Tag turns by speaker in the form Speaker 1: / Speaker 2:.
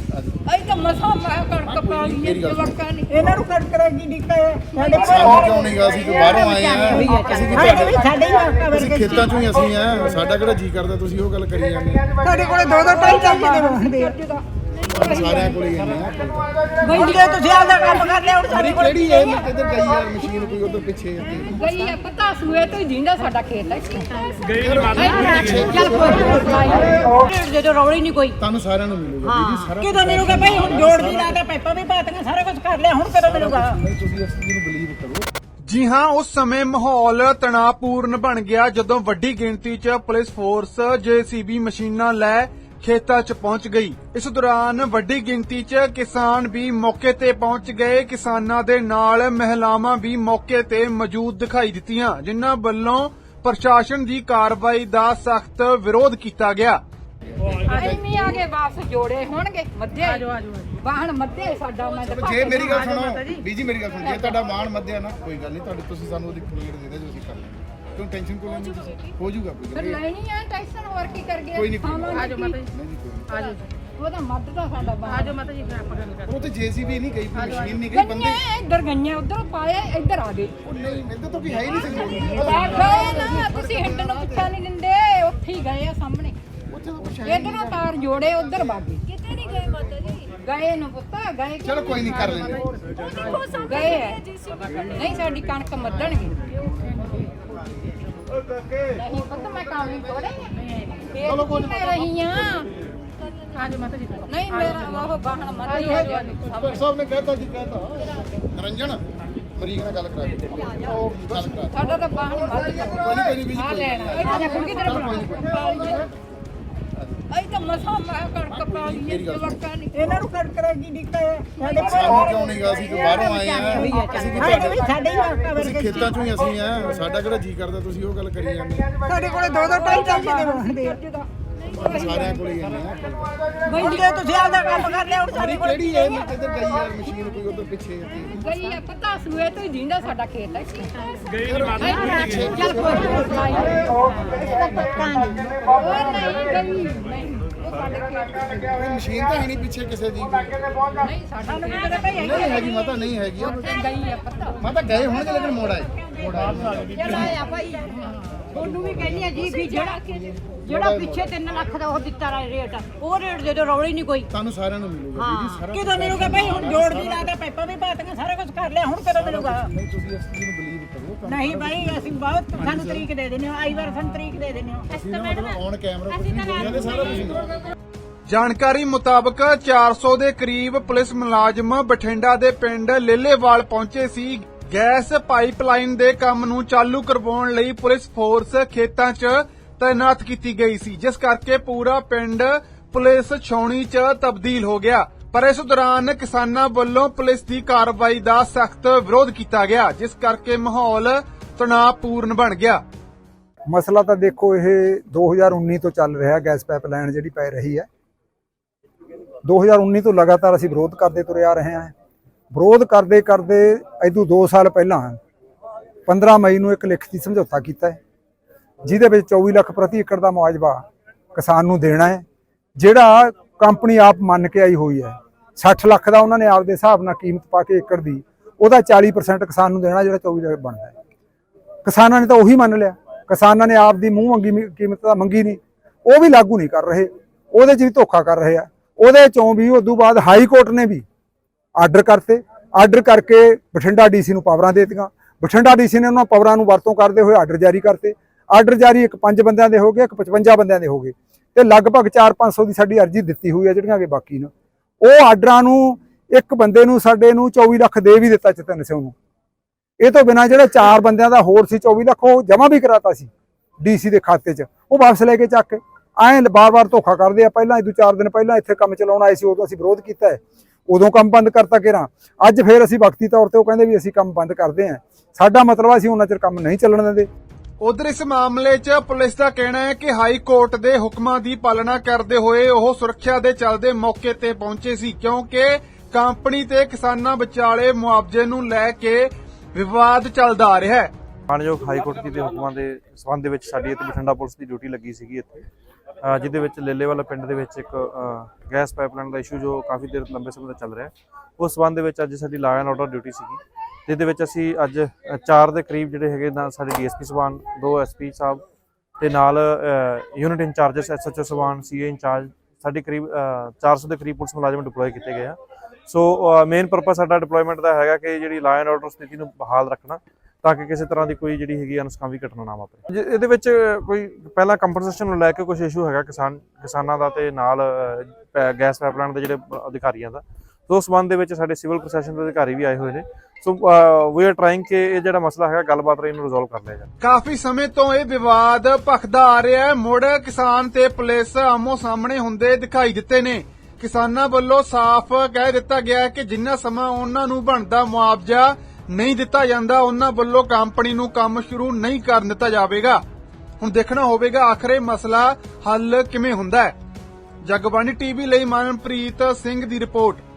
Speaker 1: ਅਸੀਂ ਤਾਂ ਮਸਾਂ ਕਣਕ ਪਾ ਲਈ ਜਵਾਕਾਂ ਨੇ
Speaker 2: ਇਹਨਾਂ ਨੂੰ ਕਣਕ ਰੈਗੀ ਨਿਕਲੇ ਸਾਡੇ
Speaker 3: ਸਾਨੂੰ ਕਿਉਂ ਨਹੀਂ ਗਾ? ਅਸੀਂ ਤਾਂ ਬਾਹਰੋਂ ਆਏ ਆ, ਅਸੀਂ ਵੀ
Speaker 2: ਸਾਡੇ ਹੀ ਵਾਕਾ
Speaker 3: ਅਸੀਂ ਖੇਤਾਂ ਚੋਂ ਹੀ ਅਸੀਂ ਆ, ਸਾਡਾ ਕਿਹੜਾ ਜੀ ਕਰਦਾ ਤੁਸੀਂ ਉਹ ਗੱਲ ਕਰੀ ਜਾਂਦੇ
Speaker 2: ਤੁਹਾਡੇ ਕੋਲੇ ਦੋ ਦੋ ਢਾਈ ਚਾਹੀਦੇ ਹੁੰਦੇ ਆ
Speaker 3: ਸਾਰਿਆਂ ਕੋਲ ਹੀ ਜਾਂਦੇ ਆ।
Speaker 2: ਬਈਏ ਤੁਸੀਂ ਆਪਦਾ ਕੰਮ ਕਰ ਲਿਆ ਹੁਣ ਸਾਡੇ ਕੋਲ
Speaker 3: ਕਿਹੜੀ ਹੈ ਕਿੱਧਰ ਗਈ ਯਾਰ ਮਸ਼ੀਨ ਕੋਈ ਉਧਰ ਪਿੱਛੇ
Speaker 1: ਗਈ ਆ ਪਤਾ ਸੂਏ ਤੋਂ ਹੀ ਜਿੰਦਾ ਸਾਡਾ ਖੇਤ ਹੈ
Speaker 4: ਗਈ ਨਹੀਂ ਮਾਤਾ
Speaker 1: ਚੱਲ ਕੋਈ ਜਦੋਂ ਰੌਲੀ ਨਹੀਂ ਕੋਈ
Speaker 3: ਤੁਹਾਨੂੰ ਸਾਰਿਆਂ ਨੂੰ ਮਿਲੂਗਾ ਦੀਦੀ ਸਾਰਾ
Speaker 2: ਕਿਦੋਂ ਮਿਲੂਗਾ ਭਾਈ ਹੁਣ ਜੋੜ ਦੀ ਲਾ ਕੇ ਪੈਪਾਂ ਵੀ ਪਾਤੀਆਂ ਸਾਰਾ ਕੁਝ ਕਰ ਲਿਆ ਹੁਣ ਕਦੋਂ ਮਿਲੂਗਾ
Speaker 3: ਨਹੀਂ ਤੁਸੀਂ ਇਸ ਚੀਜ਼ ਨੂੰ ਬਲੀਵ ਕਰੋ।
Speaker 5: ਜੀ ਹਾਂ, ਉਸ ਸਮੇਂ ਮਾਹੌਲ ਤਣਾਅਪੂਰਨ ਬਣ ਗਿਆ ਜਦੋਂ ਵੱਡੀ ਗਿਣਤੀ 'ਚ ਪੁਲਿਸ ਫੋਰਸ JCB ਮਸ਼ੀਨਾਂ ਲੈ ਖੇਤਾਂ 'ਚ ਪਹੁੰਚ ਗਈ। ਇਸ ਦੌਰਾਨ ਵੱਡੀ ਗਿਣਤੀ 'ਚ ਕਿਸਾਨ ਵੀ ਮੌਕੇ ਤੇ ਪਹੁੰਚ ਗਏ। ਕਿਸਾਨਾਂ ਦੇ ਨਾਲ ਮਹਿਲਾਵਾਂ ਵੀ ਮੌਕੇ ਤੇ ਮੌਜੂਦ ਦਿਖਾਈ ਦਿੱਤੀਆਂ, ਜਿਨ੍ਹਾਂ ਵੱਲੋਂ ਪ੍ਰਸ਼ਾਸਨ ਦੀ ਕਾਰਵਾਈ ਦਾ ਸਖਤ ਵਿਰੋਧ ਕੀਤਾ ਗਿਆ।
Speaker 1: ਐਵੇਂ ਆ ਕੇ ਵਾਪਸ ਜੋੜੇ ਹੋਣਗੇ ਮੱਧੇ ਆਜੋ ਵਾਹਣ ਮੱਧੇ ਸਾਡਾ ਮੈਂ ਤਾਂ
Speaker 3: ਜੇ ਮੇਰੀ ਗੱਲ ਸੁਣੋ ਬੀਜੀ, ਮੇਰੀ ਗੱਲ ਸੁਣੋ, ਜੇ ਤੁਹਾਡਾ ਮਾਣ ਮੱਧਿਆ ਨਾ ਕੋਈ ਗੱਲ ਨਹੀਂ, ਤੁਹਾਡੇ ਤੁਸੀਂ ਸਾਨੂੰ ਉਹਦੀ ਕਲੀਅਰ ਦੇ ਦਿਓ ਜੋ ਅਸੀਂ ਕਰ ਲਾਂਗੇ। ਕਿਉਂ ਟੈਨਸ਼ਨ ਕੋਈ ਨਹੀਂ, ਤੁਸੀਂ ਹੋ ਜਾਊਗਾ ਕੋਈ
Speaker 1: ਫਿਰ
Speaker 3: ਗੱਲ
Speaker 1: ਲੈਣੀ ਆ ਟੈਨਸ਼ਨ ਹੋਰ ਕੀ ਕਰ ਗਏ
Speaker 3: ਕੋਈ ਨਹੀਂ
Speaker 1: ਆਜੋ ਮਾਤਾ ਜੀ
Speaker 3: ਨਹੀਂ ਕੋਈ
Speaker 1: ਆਜੋ ਉਹਦਾ ਮੱਧ ਦਾ ਸਾਡਾ ਬਾਹਰ ਆਜੋ ਮਾਤਾ ਜੀ ਫਿਰ ਆਪਾਂ ਗੱਲ
Speaker 3: ਉਹ ਤੇ JCB ਨਹੀਂ ਗਈ, ਕੋਈ ਮਸ਼ੀਨ ਨਹੀਂ ਗਈ, ਬੰਦੇ
Speaker 1: ਇੱਧਰ ਗਈਆਂ ਉਧਰ ਪਾਏ ਇੱਧਰ ਆ ਗਏ
Speaker 3: ਉਹ ਨਹੀਂ ਮੈਨੂੰ ਤਾਂ ਕੋਈ ਹੈ ਹੀ ਨਹੀਂ ਸੀ
Speaker 1: ਗਏ ਨਾ ਤੁਸੀਂ ਹਿੰਡ ਨੂੰ ਪੁੱਛਾ ਨਹੀਂ ਦਿੰਦੇ ਉੱਥੇ ਹੀ ਗਏ ਆ ਸਾਹਮਣੇ
Speaker 3: ਉੱਥੇ ਤਾਂ ਕੁਛ ਹੈ
Speaker 1: ਇਧਰੋਂ ਤਾਰ ਜੋੜੇ ਉਧਰ ਬਾਗੇ ਕਿਤੇ ਨਹੀਂ ਗਏ ਮਾਤਾ ਜੀ ਗਏ ਨੂੰ ਪੁੱਤਾ ਗਏ
Speaker 3: ਚਲੋ ਕੋਈ ਨਹੀਂ ਕਰ ਲੈਂਦੇ
Speaker 1: ਗਏ ਆ। ਨਹੀਂ ਸਾਡੀ ਕਣਕ ਮੱਧਣਗੇ ਨਹੀਂ ਪਤਾ ਮੈਂ ਕੰਮ ਨਹੀਂ ਤੋੜੇ ਚਲੋ ਕੋਈ ਨਹੀਂ ਰਹੀ ਆ
Speaker 2: ਆਜੋ ਮਾਤਾ ਜੀ
Speaker 1: ਨਹੀਂ ਮੇਰਾ ਉਹ ਬਾਹਣ ਮੱਧ ਹੀ ਆ ਗਿਆ
Speaker 3: ਡਾਕਟਰ ਸਾਹਿਬ ਨੇ ਕਹਿਤਾ ਜੀ ਕਹਿਤਾ ਨਿਰੰਜਨ ਮਰੀਜ਼ ਨਾਲ ਗੱਲ ਕਰਾ ਦੇ ਉਹ ਗੱਲ ਕਰਾ
Speaker 1: ਸਾਡਾ ਤਾਂ ਬਾਹਣ ਮੱਧ
Speaker 3: ਕੋਈ ਨਹੀਂ ਬੀਜੀ
Speaker 1: ਆ ਲੈਣਾ ਆ ਜਾ ਕੁੜੀ ਤੇਰੇ ਬਣਾ ਅਸੀਂ ਤਾਂ ਮਸਾਂ ਕਣਕ ਪਾ ਲਈ ਜਵਾਕਾਂ ਨੇ
Speaker 2: ਇਹਨਾਂ ਨੂੰ ਕਣਕ ਰੈਗੀ ਨਿਕਲੇ ਸਾਡੇ
Speaker 3: ਸਾਨੂੰ ਕਿਉਂ ਨਹੀਂ ਗਾ? ਅਸੀਂ ਤਾਂ ਬਾਹਰੋਂ ਆਏ ਆ, ਅਸੀਂ ਵੀ
Speaker 2: ਸਾਡੇ ਹੀ ਵਾਕਾ
Speaker 3: ਅਸੀਂ ਖੇਤਾਂ ਚੋਂ ਹੀ ਅਸੀਂ ਆ, ਸਾਡਾ ਕਿਹੜਾ ਜੀ ਕਰਦਾ ਤੁਸੀਂ ਉਹ ਗੱਲ ਕਰੀ ਜਾਂਦੇ
Speaker 2: ਸਾਡੇ ਕੋਲੇ ਦੋ ਦੋ ਢਾਈ ਚਾਹੀਦੇ ਹੁੰਦੇ ਆ
Speaker 3: ਸਾਰਿਆਂ ਕੋਲ ਹੀ ਜਾਂਦੇ ਆ।
Speaker 2: ਬਈਏ ਤੁਸੀਂ ਆਪਦਾ ਕੰਮ ਕਰ ਲਿਆ ਹੁਣ ਸਾਡੇ ਕੋਲ
Speaker 3: ਕਿਹੜੀ ਹੈ ਕਿੱਧਰ ਗਈ ਯਾਰ ਮਸ਼ੀਨ ਕੋਈ ਉਧਰ ਪਿੱਛੇ
Speaker 1: ਗਈ ਆ ਪਤਾ ਸੂਏ ਤੋਂ ਹੀ ਜਿੰਦਾ ਸਾਡਾ ਖੇਤ ਹੈ
Speaker 4: ਗਈ ਨਹੀਂ ਮਾਤਾ
Speaker 1: ਚੱਲ ਕੋਈ ਉਹ ਨਹੀਂ ਗਈ ਨਹੀਂ ਉਹ ਸਾਡੇ ਖੇਤ
Speaker 3: ਕੋਈ ਮਸ਼ੀਨ ਤਾਂ ਹੈ ਨਹੀਂ ਪਿੱਛੇ ਕਿਸੇ ਦੀ
Speaker 1: ਨਹੀਂ ਸਾਡਾ
Speaker 3: ਨਹੀਂ ਹੈਗੀ ਮਾਤਾ, ਨਹੀਂ ਹੈਗੀ
Speaker 1: ਗਈ ਆ ਪਤਾ
Speaker 3: ਮਾਤਾ ਗਏ ਹੋਣਗੇ ਲੇਕਿਨ ਮੋੜ ਆਏ
Speaker 1: ਆਇਆ ਭਾਈ
Speaker 2: ਉਹਨੂੰ ਵੀ ਕਹਿੰਦੀ ਆ ਜੀ ਵੀ ਜਿਹੜਾ ਪਿੱਛੇ 3 ਲੱਖ ਦਾ ਉਹ ਦਿੱਤਾ ਰੇਟ ਉਹ ਰੇਟ ਜਦੋਂ ਰੌਲੀ ਨਹੀਂ ਕੋਈ
Speaker 3: ਤੁਹਾਨੂੰ ਸਾਰਿਆਂ ਨੂੰ ਮਿਲੂਗਾ ਦੀਦੀ ਸਾਰਾ
Speaker 2: ਕਿਦੋਂ ਮਿਲੂਗਾ ਭਾਈ ਹੁਣ ਜੋੜ ਦੀ ਲਾ ਕੇ ਪੈਪਾਂ ਵੀ ਪਾਤੀਆਂ ਸਾਰਾ ਕੁਝ ਕਰ ਲਿਆ ਹੁਣ ਕਦੋਂ ਮਿਲੂਗਾ
Speaker 3: ਨਹੀਂ ਤੁਸੀਂ ਇਸ ਚੀਜ਼ ਨੂੰ ਬਲੀਵ ਕਰੋ।
Speaker 2: ਨਹੀਂ ਭਾਈ ਅਸੀਂ ਬਹੁਤ ਸਾਨੂੰ ਤਰੀਕ ਦੇ ਦਿੰਦੇ ਹੋ ਆਈ ਵਾਰ ਸਾਨੂੰ ਤਰੀਕ ਦੇ ਦਿੰਦੇ ਹੋ
Speaker 3: ਅਸੀਂ ਨਾ ਮਤਲਬ ਔਨ ਕੈਮਰਾ ਕੁਝ ਨਹੀਂ ਬੋਲਿਆ ਸਾਰਾ ਕੁਝ ਮਿਲੂਗਾ।
Speaker 5: ਜਾਣਕਾਰੀ ਮੁਤਾਬਕ 400 ਦੇ ਕਰੀਬ ਪੁਲਿਸ ਮੁਲਾਜ਼ਮ ਬਠਿੰਡਾ ਦੇ ਪਿੰਡ ਲੇਲੇਵਾਲ ਪਹੁੰਚੇ ਸੀ। ਗੈਸ ਪਾਈਪਲਾਈਨ ਦੇ ਕੰਮ ਨੂੰ ਚਾਲੂ ਕਰਵਾਉਣ ਲਈ ਪੁਲਿਸ ਫੋਰਸ ਖੇਤਾਂ 'ਚ ਤਾਇਨਾਤ ਕੀਤੀ ਗਈ ਸੀ, ਜਿਸ ਕਰਕੇ ਪੂਰਾ ਪਿੰਡ ਪੁਲਿਸ ਛਾਉਣੀ 'ਚ ਤਬਦੀਲ ਹੋ ਗਿਆ। ਪਰ ਇਸ ਦੌਰਾਨ ਕਿਸਾਨਾਂ ਵੱਲੋਂ ਪੁਲਿਸ ਦੀ ਕਾਰਵਾਈ ਦਾ ਸਖਤ ਵਿਰੋਧ ਕੀਤਾ ਗਿਆ, ਜਿਸ ਕਰਕੇ ਮਾਹੌਲ ਤਣਾਅਪੂਰਨ ਬਣ ਗਿਆ।
Speaker 6: ਮਸਲਾ ਤਾਂ ਦੇਖੋ ਇਹ 2019 ਤੋਂ ਚੱਲ ਰਿਹਾ, ਗੈਸ ਪਾਈਪਲਾਈਨ ਜਿਹੜੀ ਪੈ ਰਹੀ ਹੈ 2019 ਤੋਂ ਲਗਾਤਾਰ ਅਸੀਂ ਵਿਰੋਧ ਕਰਦੇ ਤੁਰੇ ਆ ਰਹੇ ਹਾਂ। ਵਿਰੋਧ ਕਰਦੇ ਕਰਦੇ ਇਦੋਂ 2 ਸਾਲ ਪਹਿਲਾਂ 15 ਮਈ ਨੂੰ ਇੱਕ ਲਿਖਤੀ ਸਮਝੌਤਾ ਕੀਤਾ ਹੈ, ਜਿਹਦੇ ਵਿੱਚ 24 ਲੱਖ ਪ੍ਰਤੀ ਏਕੜ ਦਾ ਮੁਆਵਜ਼ਾ ਕਿਸਾਨ ਨੂੰ ਦੇਣਾ ਹੈ, ਜਿਹੜਾ ਕੰਪਨੀ ਆਪ ਮੰਨ ਕੇ ਆਈ ਹੋਈ ਹੈ। 60 ਲੱਖ ਦਾ ਉਹਨਾਂ ਨੇ ਆਪਦੇ ਹਿਸਾਬ ਨਾਲ ਕੀਮਤ ਪਾ ਕੇ ਏਕੜ ਦੀ, ਉਹਦਾ 40% ਕਿਸਾਨ ਨੂੰ ਦੇਣਾ, ਜਿਹੜਾ 24 ਲੱਖ ਬਣਦਾ ਹੈ। ਕਿਸਾਨਾਂ ਨੇ ਤਾਂ ਉਹੀ ਮੰਨ ਲਿਆ, ਕਿਸਾਨਾਂ ਨੇ ਆਪ ਦੀ ਮੂੰਹ ਮੰਗੀ ਕੀਮਤ ਤਾਂ ਮੰਗੀ ਨਹੀਂ, ਉਹ ਵੀ ਲਾਗੂ ਨਹੀਂ ਕਰ ਰਹੇ, ਉਹਦੇ 'ਚ ਵੀ ਧੋਖਾ ਕਰ ਰਹੇ ਆ। ਉਹਦੇ 'ਚੋਂ ਵੀ ਉਦੋਂ ਬਾਅਦ ਹਾਈ ਕੋਰਟ ਨੇ ਵੀ ਆਰਡਰ ਕਰਤੇ, ਆਰਡਰ ਕਰਕੇ ਬਠਿੰਡਾ DC ਨੂੰ ਪਾਵਰਾਂ ਦੇ ਦਿੱਤੀਆਂ। ਬਠਿੰਡਾ DC ਨੇ ਉਹਨਾਂ ਪਾਵਰਾਂ ਨੂੰ ਵਰਤੋਂ ਕਰਦੇ ਹੋਏ ਆਰਡਰ ਜਾਰੀ ਕਰਤੇ। ਆਰਡਰ ਜਾਰੀ ਇੱਕ 5 ਬੰਦਿਆਂ ਦੇ ਹੋ ਗਏ, ਇੱਕ 55 ਬੰਦਿਆਂ ਦੇ ਹੋ ਗਏ, ਤੇ ਲਗਭਗ 400-500 ਦੀ ਸਾਡੀ ਅਰਜ਼ੀ ਦਿੱਤੀ ਹੋਈ ਹੈ ਜਿਹੜੀਆਂ ਕਿ ਬਾਕੀ ਨੇ। ਉਹ ਆਰਡਰਾਂ ਨੂੰ ਇੱਕ ਬੰਦੇ ਨੂੰ ਸਾਡੇ ਨੂੰ 24 ਲੱਖ ਦੇ ਵੀ ਦਿੱਤਾ ਚਤਨ ਸਿੰਘ ਨੂੰ। ਇਹ ਤੋਂ ਬਿਨਾਂ ਜਿਹੜਾ 4 ਬੰਦਿਆਂ ਦਾ ਹੋਰ ਸੀ 24 ਲੱਖ ਉਹ ਜਮ੍ਹਾਂ ਵੀ ਕਰਾਤਾ ਸੀ DC ਦੇ ਖਾਤੇ 'ਚ, ਉਹ ਵਾਪਸ ਲੈ ਕੇ ਚੱਕ ਕੇ ਐਂ ਬਾਰ-ਬਾਰ ਧੋਖਾ ਕਰਦੇ ਆ। ਪਹਿਲਾਂ ਇਹ 4 ਦਿਨ ਪਹਿਲਾਂ ਇੱਥੇ ਕੰਮ ਚਲਾਉਣ ਆਏ ਸੀ, ਉਦੋਂ ਅਸੀਂ ਵਿਰੋਧ ਕੀਤਾ ਹੈ, ਉਦੋਂ ਕੰਮ ਬੰਦ ਕਰਤਾ ਕਿਰਾਂ। ਅੱਜ ਫੇਰ ਅਸੀਂ ਵਕਤੀ ਤੌਰ ਤੇ ਉਹ ਕਹਿੰਦੇ ਵੀ ਅਸੀਂ ਕੰਮ ਬੰਦ ਕਰਦੇ ਹਾਂ। ਸਾਡਾ ਮਤਲਬ ਅਸੀਂ ਉਹਨਾਂ ਚਿਰ ਕੰਮ ਨਹੀਂ ਚੱਲਣ ਦਿੰਦੇ।
Speaker 5: ਉਧਰ ਇਸ ਮਾਮਲੇ 'ਚ ਪੁਲਿਸ ਦਾ ਕਹਿਣਾ ਹੈ ਕਿ ਹਾਈ ਕੋਰਟ ਦੇ ਹੁਕਮਾਂ ਦੀ ਪਾਲਣਾ ਕਰਦੇ ਹੋਏ ਉਹ ਸੁਰੱਖਿਆ ਦੇ ਚੱਲਦੇ ਮੌਕੇ ਤੇ ਪਹੁੰਚੇ ਸੀ, ਕਿਉਂਕਿ ਕੰਪਨੀ ਤੇ ਕਿਸਾਨਾਂ ਵਿਚਾਲੇ ਮੁਆਵਜ਼ੇ ਨੂੰ ਲੈ ਕੇ ਵਿਵਾਦ ਚੱਲਦਾ ਆ ਰਿਹਾ ਹੈ।
Speaker 7: ਮਾਨਯੋਗ ਹਾਈ ਕੋਰਟ ਦੇ ਹੁਕਮਾਂ ਦੇ ਸਬੰਧ ਦੇ ਵਿੱਚ ਸਾਡੀ ਇੱਥੇ ਬਠਿੰਡਾ ਪੁਲਿਸ ਦੀ ਡਿਊਟੀ ਲੱਗੀ ਸੀਗੀ ਇੱਥੇ, ਜਿਹਦੇ ਵਿੱਚ ਲੇਲੇਵਾਲਾ ਪਿੰਡ ਦੇ ਵਿੱਚ ਇੱਕ ਗੈਸ ਪਾਈਪਲਾਈਨ ਦਾ ਇਸ਼ੂ ਜੋ ਕਾਫੀ ਦੇਰ ਲੰਬੇ ਸਮੇਂ ਤੋਂ ਚੱਲ ਰਿਹਾ, ਉਸ ਸੰਬੰਧ ਦੇ ਵਿੱਚ ਅੱਜ ਸਾਡੀ ਲਾਅ ਐਂਡ ਆਰਡਰ ਡਿਊਟੀ ਸੀਗੀ, ਜਿਹਦੇ ਵਿੱਚ ਅਸੀਂ ਅੱਜ 4 ਦੇ ਕਰੀਬ ਜਿਹੜੇ ਹੈਗੇ ਨਾਲ ਸਾਡੇ ਡੀਐਸਪੀ ਸਾਹਿਬਾਨ, 2 ਐਸਪੀ ਸਾਹਿਬ ਤੇ ਨਾਲ ਯੂਨਿਟ ਇੰਚਾਰਜਸ, ਐਸਐਚਓ ਸਾਹਿਬਾਨ, ਸੀਏ ਇੰਚਾਰਜ, ਸਾਡੀ ਕਰੀਬ 400 ਦੇ ਕਰੀਬ ਪੁਲਿਸ ਮੁਲਾਜ਼ਮ ਡਿਪਲੋਏ ਕੀਤੇ ਗਏ ਆ। ਸੋ ਮੇਨ ਪਰਪਸ ਸਾਡਾ ਡਿਪਲੋਇਮੈਂਟ ਦਾ ਹੈਗਾ ਕਿ ਜਿਹੜੀ ਲਾਅ ਐਂਡ ਆਰਡਰ ਸਥਿਤੀ ਨੂੰ ਬਹਾਲ ਰੱਖਣਾ, ਤਾਂ ਕਿ ਕਿਸੇ ਤਰ੍ਹਾਂ ਦੀ ਕੋਈ ਜਿਹੜੀ ਹੈਗੀ ਅਨਸਕਾਮੀ ਘਟਨਾ ਨਾ ਵਾਪਰੇ। ਇਹਦੇ ਵਿੱਚ ਕੋਈ ਪਹਿਲਾਂ ਕੰਪਨਸੇਸ਼ਨ ਨੂੰ ਲੈ ਕੇ ਕੁਝ ਇਸ਼ੂ ਹੈਗਾ ਕਿਸਾਨਾਂ ਦਾ ਤੇ ਨਾਲ ਗੈਸ ਪਾਈਪਲਾਈਨ ਦੇ ਜਿਹੜੇ ਅਧਿਕਾਰੀਆਂ ਦਾ, ਸੋ ਉਸ ਸੰਬੰਧ ਦੇ ਵਿੱਚ ਸਾਡੇ ਸਿਵਲ ਪ੍ਰਸ਼ਾਸਨ ਦੇ ਅਧਿਕਾਰੀ ਵੀ ਆਏ ਹੋਏ ਨੇ। ਸੋ ਵੀ ਆਰ ਟਰਾਈਂਗ ਕਿ ਇਹ ਜਿਹੜਾ ਮਸਲਾ ਹੈਗਾ ਗੱਲਬਾਤ ਰਾਹੀਂ ਇਹਨੂੰ ਰਿਜ਼ੋਲਵ ਕਰ ਲਿਆ ਜਾਵੇ।
Speaker 5: ਕਾਫੀ ਸਮੇਂ ਤੋਂ ਇਹ ਵਿਵਾਦ ਭਖਦਾ ਆ ਰਿਹਾ ਹੈ। ਮੁੜ ਕਿਸਾਨ ਤੇ ਪੁਲਿਸ ਆਮੋ ਸਾਹਮਣੇ ਹੁੰਦੇ ਦਿਖਾਈ ਦਿੱਤੇ ਨੇ। ਕਿਸਾਨਾਂ ਵੱਲੋਂ ਸਾਫ਼ ਕਹਿ ਦਿੱਤਾ ਗਿਆ ਹੈ ਕਿ ਜਿੰਨਾ ਸਮਾਂ ਉਹਨਾਂ ਨੂੰ ਬਣਦਾ ਮੁਆਵਜ਼ਾ ਨਹੀਂ ਦਿੱਤਾ ਜਾਂਦਾ, ਉਹਨਾਂ ਵੱਲੋਂ ਕੰਪਨੀ ਨੂੰ ਕੰਮ ਸ਼ੁਰੂ ਨਹੀਂ ਕਰਨ ਦਿੱਤਾ ਜਾਵੇਗਾ। ਹੁਣ ਦੇਖਣਾ ਹੋਵੇਗਾ ਆਖਰ ਇਹ ਮਸਲਾ ਹੱਲ ਕਿਵੇਂ ਹੁੰਦਾ ਹੈ। ਜਗਬਾਣੀ ਟੀਵੀ ਲਈ ਮਨਪ੍ਰੀਤ ਸਿੰਘ ਦੀ ਰਿਪੋਰਟ।